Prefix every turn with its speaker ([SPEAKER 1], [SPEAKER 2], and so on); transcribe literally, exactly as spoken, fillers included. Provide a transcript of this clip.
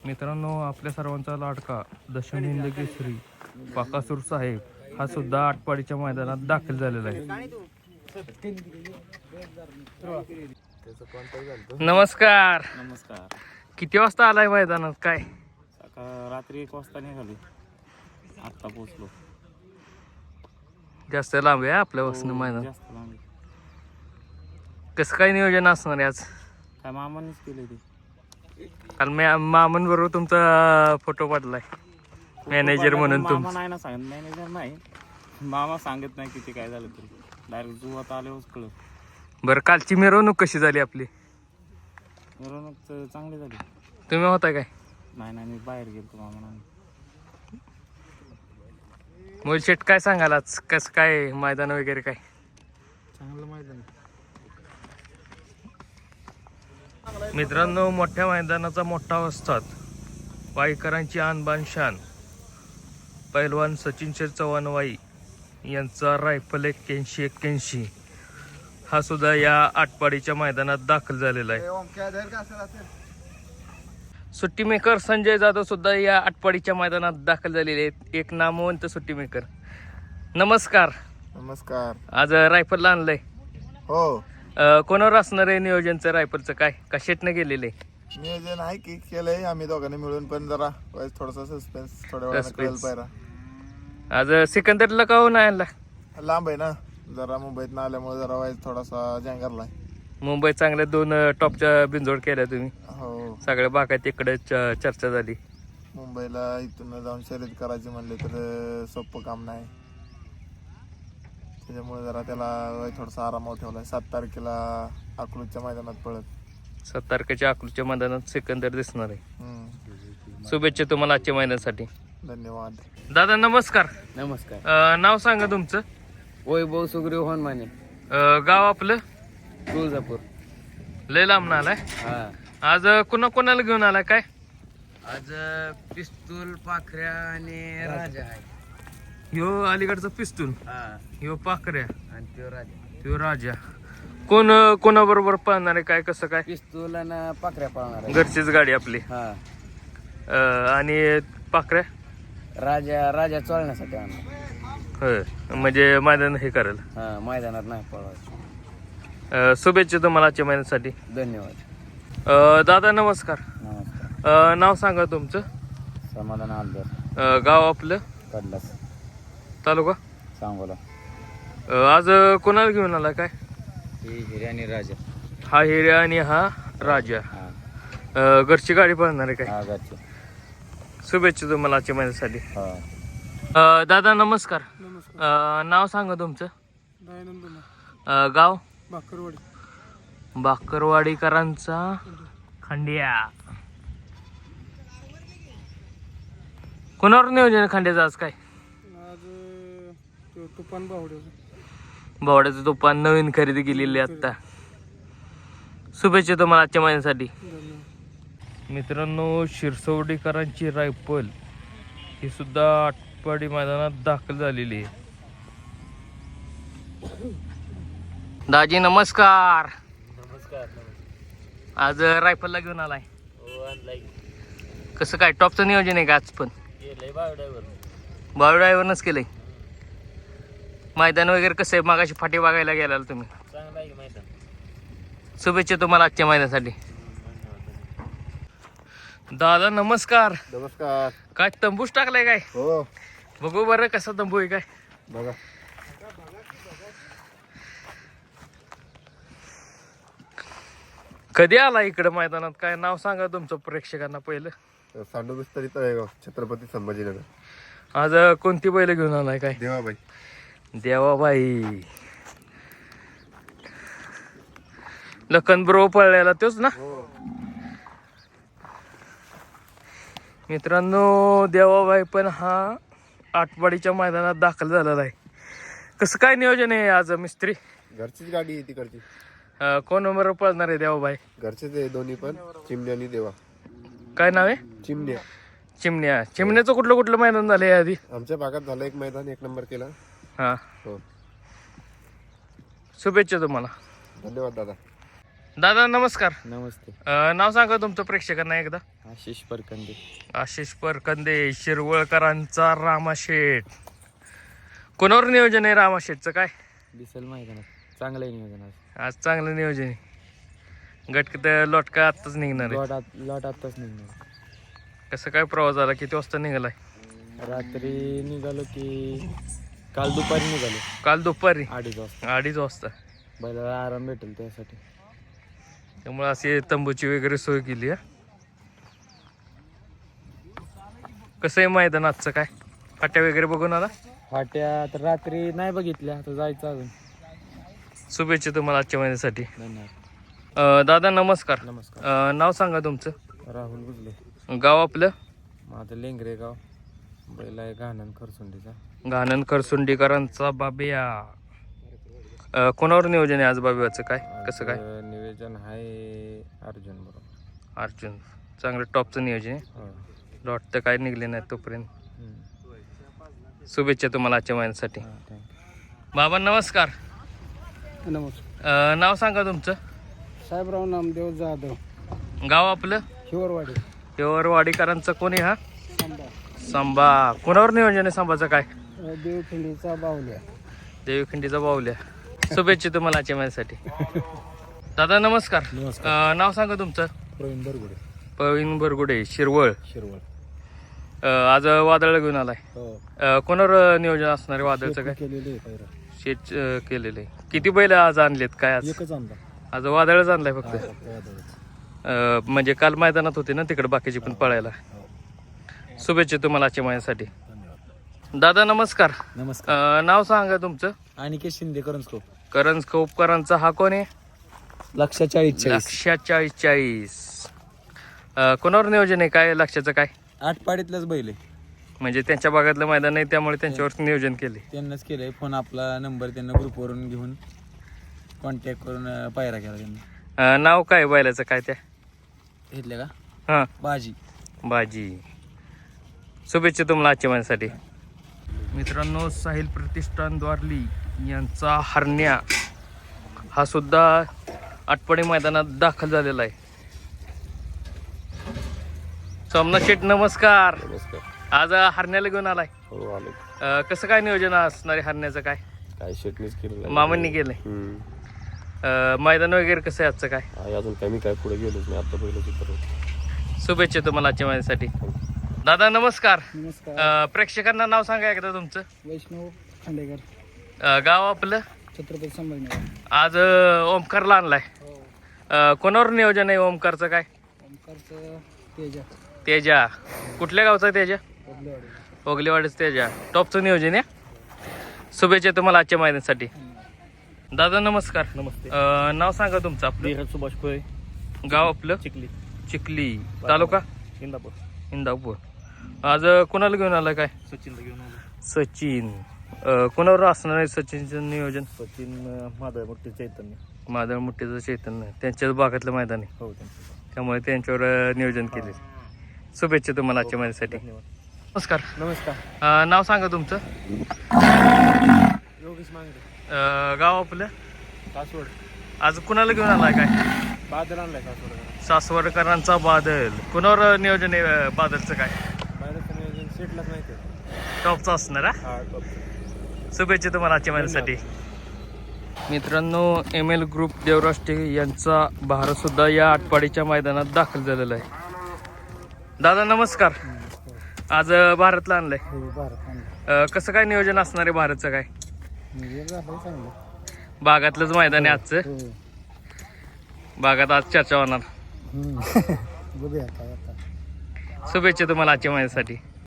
[SPEAKER 1] मित्रांनो, आपल्या सर्वांचा लाडका दशम हिंद केसरी पाकासूर साहेब हा सुद्धा आटपाडीच्या मैदानात दाखल झालेला आहे. नमस्कार.
[SPEAKER 2] नमस्कार.
[SPEAKER 1] किती वाजता आलाय मैदानात? काय
[SPEAKER 2] सकाळ रात्री एक वाजता निघालो, आत्ता पोचलो.
[SPEAKER 1] जास्त लांब आहे आपल्या वसनं मैदान.
[SPEAKER 2] जास्त लांब.
[SPEAKER 1] कसं काय नियोजन असणार आहे आज?
[SPEAKER 2] काय मामानेच केले ते.
[SPEAKER 1] काल मी मामन बरोबर तुमचा फोटो पाठलाय मॅनेजर म्हणून. तुम
[SPEAKER 2] मामा नाही ना सांगत, मॅनेजर नाही, मामा सांगत नाही किती काय झालं तरी. डायरेक्ट जुवात आल्यावरच कळत.
[SPEAKER 1] बरं, कालची मिरवणूक कशी झाली आपली?
[SPEAKER 2] मिरवणूक तर चांगली झाली.
[SPEAKER 1] तुम्ही होता काय?
[SPEAKER 2] नाही नाही, मी बाहेर गेलो मामा नाही.
[SPEAKER 1] मुलशेट, काय सांगाल आज? कसं काय मैदान वगैरे? काय
[SPEAKER 2] चांगलं मैदान.
[SPEAKER 1] मित्रांनो, मोठ्या मैदानाचा मोठा वस्ताद, वाईकरांची आणबान शान, पैलवान सचिन शेठ चव्हाण वाई यांचा रायफल एक्क्याऐंशी एक्क्याऐंशी हा सुद्धा या आटपाडीच्या मैदानात दाखल झालेला आहे. सुट्टी मेकर संजय जाधव सुद्धा या आटपाडीच्या मैदानात दाखल झालेले आहेत. एक नामवंत सुट्टी मेकर. नमस्कार.
[SPEAKER 3] नमस्कार.
[SPEAKER 1] आज रायफलला आणलंय?
[SPEAKER 3] हो.
[SPEAKER 1] कोणावर असणार आहे नियोजनचं रायफलचं? काय कशातनं गेलेलं आहे
[SPEAKER 3] नियोजन? आहे की केलंय आम्ही दोघांनी मिळून, पण जरा थोडासा सस्पेन्स थोड्या वेळानं कळेल. पायरा
[SPEAKER 1] आज सिकंदरला का हो नाही आणला?
[SPEAKER 3] लांब आहे ना जरा, मुंबईत ना आल्यामुळे जरा वाईज थोडासा जंगरला.
[SPEAKER 1] मुंबईत चांगल्या दोन टॉपच्या बिंजोड केल्या तुम्ही.
[SPEAKER 3] हो.
[SPEAKER 1] सगळ्या भागात इकडे चर्चा झाली.
[SPEAKER 3] मुंबईला इथून जाऊन शर्यत करायची म्हणले तर सोपं काम नाही, त्याच्यामुळे जरा त्याला थोडासा आरामावर ठेवलाय. सात तारखेला अकलूजच्या मैदानात पळत.
[SPEAKER 1] सात तारखेच्या अकलूजच्या मैदानात सिकंदर दिसणार आहे.
[SPEAKER 3] हम्म.
[SPEAKER 1] शुभेच्छा तुम्हाला आजच्या मैदानासाठी.
[SPEAKER 3] धन्यवाद.
[SPEAKER 1] दादा नमस्कार.
[SPEAKER 2] नमस्कार.
[SPEAKER 1] अं, नाव सांगा तुमचं.
[SPEAKER 2] वैभव सुग्रीव हनुमाने,
[SPEAKER 1] अं, गाव आपलं?
[SPEAKER 2] तुळजापूर.
[SPEAKER 1] लय लांब आलाय.
[SPEAKER 2] हा.
[SPEAKER 1] आज कुणा कोणाला घेऊन आलाय? काय
[SPEAKER 2] आज पिस्तूल, पाखऱ्या आणि राजा आहे.
[SPEAKER 1] ह्यो अलीकडचा पिस्तूल,
[SPEAKER 2] हा.
[SPEAKER 1] ह्यो पाकऱ्या,
[SPEAKER 2] आणि तो राजा.
[SPEAKER 1] ह्यो राजा. कोण कोणाबरोबर पाहणार आहे? काय कसं काय?
[SPEAKER 2] पिस्तूल आणि पाखऱ्या पाळणार आहे.
[SPEAKER 1] घरचीच गाडी आपली.
[SPEAKER 2] हा.
[SPEAKER 1] अं, आणि पाकऱ्या
[SPEAKER 2] राजा राजा चोळण्यासाठी आणला.
[SPEAKER 1] होय, म्हणजे मैदान हे करेल.
[SPEAKER 2] हा, मैदानात नाही पळवायचं.
[SPEAKER 1] अं, शुभेच्छा तुम्हाला आजच्या महिन्यासाठी.
[SPEAKER 2] धन्यवाद.
[SPEAKER 1] अं, दादा नमस्कार.
[SPEAKER 2] नमस्कार.
[SPEAKER 1] अं, नाव सांगा तुमचं.
[SPEAKER 2] समाधान आलदर,
[SPEAKER 1] अं, गाव आपलं?
[SPEAKER 2] कडलास,
[SPEAKER 1] तालुका
[SPEAKER 2] सांगोला.
[SPEAKER 1] अं, आज कोणाला घेऊन आला? काय
[SPEAKER 2] ही हिरे आणि राजा.
[SPEAKER 1] हा हिर्या आणि हा राजा.
[SPEAKER 2] हा.
[SPEAKER 1] अं, घरची गाडी पळणार आहे काय?
[SPEAKER 2] हा, घरचे.
[SPEAKER 1] शुभेच्छा तुम्हाला आजच्या महिन्यासाठी.
[SPEAKER 2] हा.
[SPEAKER 1] अं, दादा नमस्कार. अं, नाव सांगा तुमचं. अं, गाव?
[SPEAKER 4] बाकरवाडी.
[SPEAKER 1] बाकरवाडीकरांचा खंड्या. कोणावर नियोजन खंड्याचं आज? काय
[SPEAKER 4] आज तो तुफान बावड्याचा.
[SPEAKER 1] भावड्याचं तुफान नवीन खरेदी केलेली आहे आता. शुभेच्छा तुम्हाला आजच्या महिन्यासाठी. मित्रांनो, शिरसवडीकरांची रायफल ही सुद्धा आटपाडी मैदानात दाखल झालेली आहे. दाजी नमस्कार.
[SPEAKER 2] नमस्कार.
[SPEAKER 1] आज रायफलला घेऊन आलाय?
[SPEAKER 2] हो, आणलाय.
[SPEAKER 1] कसं काय टॉपचं नियोजन आहे का आज? पण
[SPEAKER 2] केलंय बावड्यावर.
[SPEAKER 1] बाळू ड्रायव्हरनंच केलंय. मैदान वगैरे कसं आहे? मागाशी फाटी बघायला गेला तुम्ही.
[SPEAKER 2] चांगला आहे मैदान.
[SPEAKER 1] शुभेच्छा तुम्हाला आजच्या मैदानासाठी. दादा नमस्कार.
[SPEAKER 3] नमस्कार.
[SPEAKER 1] काय तंबूच टाकलाय काय?
[SPEAKER 3] हो.
[SPEAKER 1] बघू बरं कसा तंबू आहे काय.
[SPEAKER 3] बघा.
[SPEAKER 1] कधी आला इकडे मैदानात? काय नाव सांगा तुमचं प्रेक्षकांना पहिलं.
[SPEAKER 3] सांडू विस्तारित तळेगाव, छत्रपती संभाजीनगर.
[SPEAKER 1] आज कोणती बैल घेऊन आलाय? काय
[SPEAKER 3] देवाबाई.
[SPEAKER 1] देवाबाई. लखन ब्रो पळलेला तोच ना? मित्रांनो, देवाबाई पण हा आटपाडीच्या मैदानात दाखल झालेला आहे. कसं काय नियोजन आहे आज मिस्त्री?
[SPEAKER 3] घरचीच गाडी आहे तिकडची.
[SPEAKER 1] अं, कोण नंबर पळणार आहे देवाबाई?
[SPEAKER 3] घरचेच आहे दोन्ही पण, चिमण्या आणि देवा.
[SPEAKER 1] काय नाव आहे?
[SPEAKER 3] चिमण्या.
[SPEAKER 1] चिमण्या. चिमण्याचं कुठलं कुठलं मैदान झालंय आधी?
[SPEAKER 3] आमच्या भागात झालं एक मैदान, एक नंबर केला.
[SPEAKER 1] हा.
[SPEAKER 3] हो.
[SPEAKER 1] शुभेच्छा तुम्हाला.
[SPEAKER 3] धन्यवाद दादा.
[SPEAKER 1] दादा नमस्कार.
[SPEAKER 2] नमस्ते.
[SPEAKER 1] अं, नाव सांगा तुमचं प्रेक्षकांना एकदा.
[SPEAKER 2] आशिष परकंदे.
[SPEAKER 1] आशिष परकंदे, शिरवळकरांचा रामाशेठ. कोणावर नियोजन आहे रामाशेठचं काय?
[SPEAKER 2] दिसेल मैदानात. चांगलं आहे नियोजन आज.
[SPEAKER 1] आज चांगलं नियोजन आहे. गट लोटका आत्ताच निघणार आहे.
[SPEAKER 2] लॉट आत लॉट आत्ताच निघणार.
[SPEAKER 1] कसं काय प्रवास झाला? किती वाजता निघालाय?
[SPEAKER 2] रात्री निघालो की काल दुपारी निघालो.
[SPEAKER 1] काल दुपारी
[SPEAKER 2] अडीच वाजता.
[SPEAKER 1] अडीच वाजता.
[SPEAKER 2] बैलाला आराम भेटेल त्यासाठी.
[SPEAKER 1] त्यामुळे अशी तंबूची वगैरे सोय केली आहे. कसं आहे मैदान आजचं काय? फाट्या वगैरे बघून आला?
[SPEAKER 2] फाट्या तर रात्री नाही बघितल्या, आता जायचं अजून.
[SPEAKER 1] शुभेच्छा तुम्हाला आजच्या महिन्यासाठी.
[SPEAKER 2] धन्यवाद.
[SPEAKER 1] अं, दादा नमस्कार.
[SPEAKER 2] नमस्कार.
[SPEAKER 1] अं, नाव सांगा तुमचं.
[SPEAKER 2] राहुल गुजले.
[SPEAKER 1] गाव आपलं?
[SPEAKER 2] माझं लेंगरे गाव. बैल आहे घाणन खरसुंडीचा.
[SPEAKER 1] घाणन खरसुंडीकरांचा बाबिया. अं, कोणावर नियोजन आहे आज बाबियाचं काय? कसं काय?
[SPEAKER 2] आज नियोजन आहे अर्जुन बरोबर.
[SPEAKER 1] अर्जुन. चांगलं टॉपचं नियोजन आहे.
[SPEAKER 2] हो.
[SPEAKER 1] डॉट तर काय निघले नाही तोपर्यंत.
[SPEAKER 2] हम्म.
[SPEAKER 1] शुभेच्छा तुम्हाला आजच्या महिन्यासाठी.
[SPEAKER 2] हा, thank you.
[SPEAKER 1] बाबा नमस्कार.
[SPEAKER 4] नमस्कार.
[SPEAKER 1] अं, नाव सांगा तुमचं.
[SPEAKER 4] साहेबराव नामदेव जाधव,
[SPEAKER 1] गाव आपलं?
[SPEAKER 4] हिवरवाडी.
[SPEAKER 1] वाडीकरांचा कोणी हा?
[SPEAKER 4] सांबा.
[SPEAKER 1] सांबा. कोणावर नियोजन आहे सांबाचं काय?
[SPEAKER 4] देवखिंडीचा बावल्या.
[SPEAKER 1] देवीखिंडीचा बाहुल्या. शुभेच्छा तुम्हाला आजच्या महिन्यासाठी. दादा नमस्कार.
[SPEAKER 2] नमस्कार.
[SPEAKER 1] अं, नाव सांगा तुमचं.
[SPEAKER 2] प्रवीण बरगुडे.
[SPEAKER 1] प्रवीण बरगुडे, शिरवळ.
[SPEAKER 2] शिरवळ.
[SPEAKER 1] अं, आज वादळ घेऊन आलाय.
[SPEAKER 2] हो.
[SPEAKER 1] अं, कोणावर नियोजन असणार आहे वादळचं काय?
[SPEAKER 2] केलेले आहे पहिला.
[SPEAKER 1] शेत अं, केलेलं आहे. किती बैल आज आणलेत काय? आज
[SPEAKER 2] एकच आणला.
[SPEAKER 1] आज वादळच आणलाय फक्त.
[SPEAKER 2] वादळच.
[SPEAKER 1] अं, म्हणजे काल मैदानात होते ना तिकडे बाकीचे पण पळायला. शुभेच्छा तुम्हाला आजच्या महिन्यासाठी.
[SPEAKER 2] धन्यवाद.
[SPEAKER 1] दादा नमस्कार.
[SPEAKER 2] नमस्कार.
[SPEAKER 1] अं, नाव सांगा तुमचं.
[SPEAKER 2] अनिकेत शिंदे करंजकोप.
[SPEAKER 1] करंज खोपकरांचा हा कोण आहे?
[SPEAKER 2] लक्षा चाळीस चाळीस.
[SPEAKER 1] लक्षा चाळीस चाळीस. अं, कोणावर नियोजन आहे काय? लक्षाचं काय?
[SPEAKER 2] आठ पाडीतलाच बैल आहे.
[SPEAKER 1] म्हणजे त्यांच्या भागातलं मैदान आहे त्यामुळे त्यांच्यावर नियोजन केले.
[SPEAKER 2] त्यांनाच केलंय. फोन आपला नंबर त्यांना ग्रुपवरून घेऊन कॉन्टॅक्ट करून अं, पायरा केला त्यांनी.
[SPEAKER 1] अं, नाव काय बैलाचं काय त्या?
[SPEAKER 2] घेतले का?
[SPEAKER 1] हां,
[SPEAKER 2] बाजी.
[SPEAKER 1] बाजी. शुभेच्छा तुम्हाला आजच्या महिन्यासाठी. मित्रांनो, साहिल प्रतिष्ठान द्वारली यांचा हरण्या हा सुद्धा आटपाडी मैदानात दाखल झालेला आहे. सोमनाथ शेठ नमस्कार.
[SPEAKER 2] नमस्कार.
[SPEAKER 1] आज हरण्याला घेऊन आलाय.
[SPEAKER 2] हो आलो.
[SPEAKER 1] अं, कसं काय नियोजन असणार आहे हरण्याचं काय?
[SPEAKER 2] काय शेटनीच केलं.
[SPEAKER 1] मामांनी केलंय. अं, मैदान वगैरे कसं आहे आजचं काय?
[SPEAKER 2] अजून काय मी काय पुढे गेलोच नाही. आता पहिलं चित्र.
[SPEAKER 1] शुभेच्छा तुम्हाला आजच्या महिन्यासाठी. दादा नमस्कार.
[SPEAKER 4] नमस्कार.
[SPEAKER 1] अं, प्रेक्षकांना नाव सांगा एकदा तुमचं.
[SPEAKER 4] वैष्णव खांडेकर,
[SPEAKER 1] अं, गाव आपलं?
[SPEAKER 4] छत्रपती संभाजीनगर.
[SPEAKER 1] आज अं, ओमकारला आणलाय.
[SPEAKER 4] हो.
[SPEAKER 1] अं, कोणावर नियोजन आहे ओमकारचं काय?
[SPEAKER 4] ओमकारचं तेजा.
[SPEAKER 1] तेजा. कुठल्या गावचा आहे तेजा?
[SPEAKER 4] बदलेवाडी.
[SPEAKER 1] ओगलेवाडीच तेजा. टॉपचं नियोजन आहे. शुभेच्छा तुम्हाला आजच्या महिन्यासाठी. दादा नमस्कार.
[SPEAKER 2] नमस्ते.
[SPEAKER 1] अं, नाव सांगा तुमचं आपलं.
[SPEAKER 2] धीरज सुभाष कोळे.
[SPEAKER 1] गाव आपलं?
[SPEAKER 2] चिखली.
[SPEAKER 1] चिखली. तालुका?
[SPEAKER 2] इंदापूर.
[SPEAKER 1] इंदापूर. आज अं, कोणाला घेऊन आलाय काय?
[SPEAKER 2] सचिनला घेऊन आलो.
[SPEAKER 1] सचिन. अं, कोणावर असणार आहे सचिनचं नियोजन?
[SPEAKER 2] सचिन माधव मोठे चैतन्य.
[SPEAKER 1] मादळ मुठीचं चैतन्य त्यांच्याच भागातलं मैदान आहे
[SPEAKER 2] हो त्यांचं.
[SPEAKER 1] त्यामुळे त्यांच्यावर अं, नियोजन केले. शुभेच्छा तुम्हाला आजच्या महिन्यासाठी.
[SPEAKER 2] धन्यवाद.
[SPEAKER 1] नमस्कार.
[SPEAKER 2] नमस्कार.
[SPEAKER 1] अं, नाव सांगा तुमचं.
[SPEAKER 2] योगेश मांगडे.
[SPEAKER 1] अं, गाव आपलं?
[SPEAKER 2] कासवड.
[SPEAKER 1] आज कुणाला घेऊन आलाय काय?
[SPEAKER 2] बादल आणलाय कासवड.
[SPEAKER 1] सासवडकरांचा बादल. कुणावर नियोजन आहे अं, बादलचं काय?
[SPEAKER 2] बादलचं नियोजन सेटलाच नाही ते.
[SPEAKER 1] टॉपचं असणार हा.
[SPEAKER 2] हा टॉप.
[SPEAKER 1] शुभेच्छा तुम्हाला आजच्या महिन्यासाठी. मित्रांनो, एम एल ग्रुप देवराष्ट्रे यांचा भारत सुद्धा या आटपाडीच्या मैदानात दाखल झालेला आहे. दादा नमस्कार. आज अं, भारतला आणलंय.
[SPEAKER 4] हो, भारत आणला.
[SPEAKER 1] अं, कसं काय नियोजन असणार आहे भारतचं काय?
[SPEAKER 4] म्हणजे झालं चांगलं.
[SPEAKER 1] बागातलंच मैदान आहे आजचं.
[SPEAKER 4] हो.
[SPEAKER 1] बागात आज चर्चा होणार.
[SPEAKER 4] हम्म. बघूया काय आता.
[SPEAKER 1] शुभेच्छा तुम्हाला आजच्या महिन्यासाठी.